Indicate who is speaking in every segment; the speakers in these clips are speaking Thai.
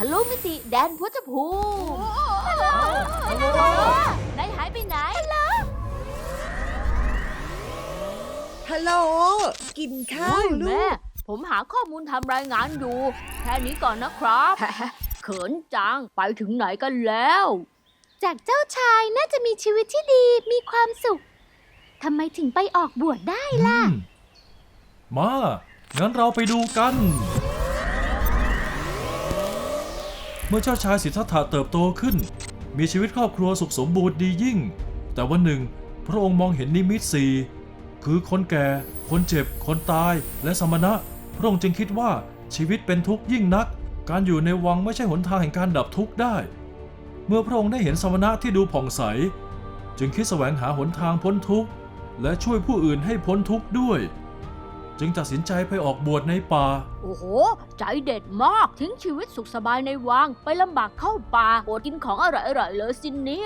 Speaker 1: ะลุมิติแดนพุทธภูมินายหายไปไหน
Speaker 2: ฮัลโหลกินข้าวลู
Speaker 1: แม่
Speaker 2: ก
Speaker 1: ผมหาข้อมูลทำรายงานอยู่ แค่นี้ก่อนนะครับ เขินจังไปถึงไหนกันแล้ว
Speaker 3: จากเจ้าชายน่าจะมีชีวิตที่ดีมีความสุขทำไมถึงไปออกบวชได้ล่ะ
Speaker 4: มางั้นเราไปดูกัน เมื่อเจ้าชายสิทธัตถะเติบโตขึ้นมีชีวิตครอบครัวสุขสมบูรณ์ดียิ่งแต่วันหนึ่งพระองค์มองเห็นนิมิตสี่คือคนแก่คนเจ็บคนตายและสมณะพระองค์จึงคิดว่าชีวิตเป็นทุกข์ยิ่งนักการอยู่ในวังไม่ใช่หนทางแห่งการดับทุกข์ได้เมื่อพระองค์ได้เห็นสมณะที่ดูผ่องใสจึงคิดแสวงหาหนทางพ้นทุกข์และช่วยผู้อื่นให้พ้นทุกข์ด้วยจึงตัดสินใจไปออกบวชในป่า
Speaker 1: โอ้โห ใจเด็ดมากทิ้งชีวิตสุขสบายในวังไปลำบากเข้าป่าอดกินของอร่อยๆเลยสินเนี่ย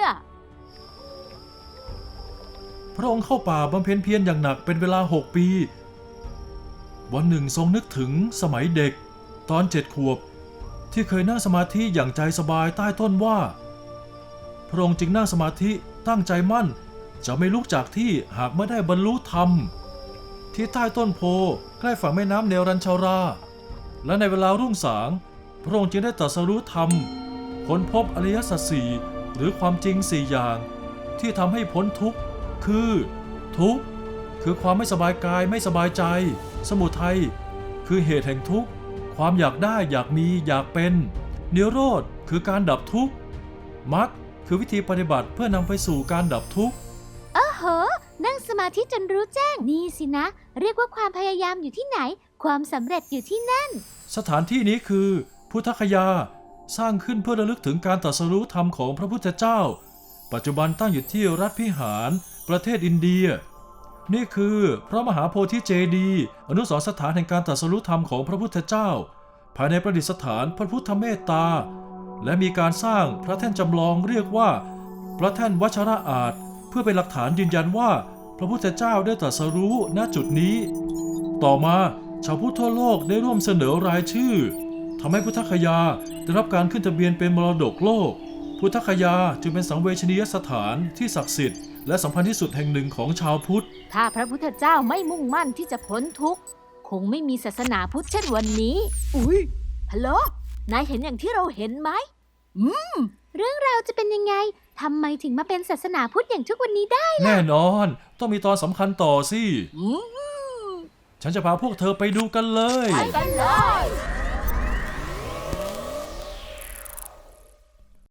Speaker 4: พระองค์เข้าป่าบำเพ็ญเพียรอย่างหนักเป็นเวลา6 ปีวันหนึ่งทรงนึกถึงสมัยเด็กตอน7 ขวบที่เคยนั่งสมาธิอย่างใจสบายใต้ต้นว่าพระองค์จึงนั่งสมาธิตั้งใจมั่นจะไม่ลุกจากที่หากไม่ได้บรรลุธรรมที่ใต้ต้นโพใกล้ฝั่งแม่น้ำเนรัญชาราและในเวลารุ่งสางพระองค์จึงได้ตรัสรู้ธรรมค้นพบอริยสัจสี่หรือความจริง4 อย่างที่ทำให้พ้นทุกข์คือทุกข์คือความไม่สบายกายไม่สบายใจสมุทัยคือเหตุแห่งทุกข์ความอยากได้อยากมีอยากเป็นนิโรธคือการดับทุกข์มรรคคือวิธีปฏิบัติเพื่อนำไปสู่การดับทุกข์
Speaker 3: โอ้โห นั่งสมาธิจนรู้แจ้งนี่สินะ เรียกว่าความพยายามอยู่ที่ไหน ความสำเร็จอยู่ที่นั่น
Speaker 4: สถานที่นี้คือพุทธคยาสร้างขึ้นเพื่อระลึกถึงการตรัสรู้ธรรมของพระพุทธเจ้าปัจจุบันตั้งอยู่ที่รัฐพิหารประเทศอินเดียนี่คือพระมหาโพธิเจดีย์อนุสรณ์สถานแห่งการตรัสรู้ธรรมของพระพุทธเจ้าภายในประดิษฐานพระพุทธเมตตาและมีการสร้างพระแท่นจำลองเรียกว่าพระแท่นวัชระอาจเพื่อเป็นหลักฐานยืนยันว่าพระพุทธเจ้าได้ตรัสรู้ณจุดนี้ต่อมาชาวพุทธทั่วโลกได้ร่วมเสนอรายชื่อทำให้พุทธคยาได้รับการขึ้นทะเบียนเป็นมรดกโลกพุทธคยาจึงเป็นสังเวชนียสถานที่ศักดิ์สิทธิ์และสำคัญที่สุดแห่งหนึ่งของชาวพุทธ
Speaker 1: ถ้าพระพุทธเจ้าไม่มุ่งมั่นที่จะพ้นทุกข์คงไม่มีศาสนาพุทธเช่นวันนี้อุ๊ยฮัลโหลนายเห็นอย่างที่เราเห็นไหม
Speaker 3: เรื่องราวจะเป็นยังไง ทำไมถึงมาเป็นศาสนาพุทธอย่างทุกวันนี้ได้
Speaker 4: แน่นอนต้องมีตอนสำคัญต่อสิ
Speaker 1: อืม
Speaker 4: ฉันจะพาพวกเธอไปดูกันเลย
Speaker 1: ไปกันเลย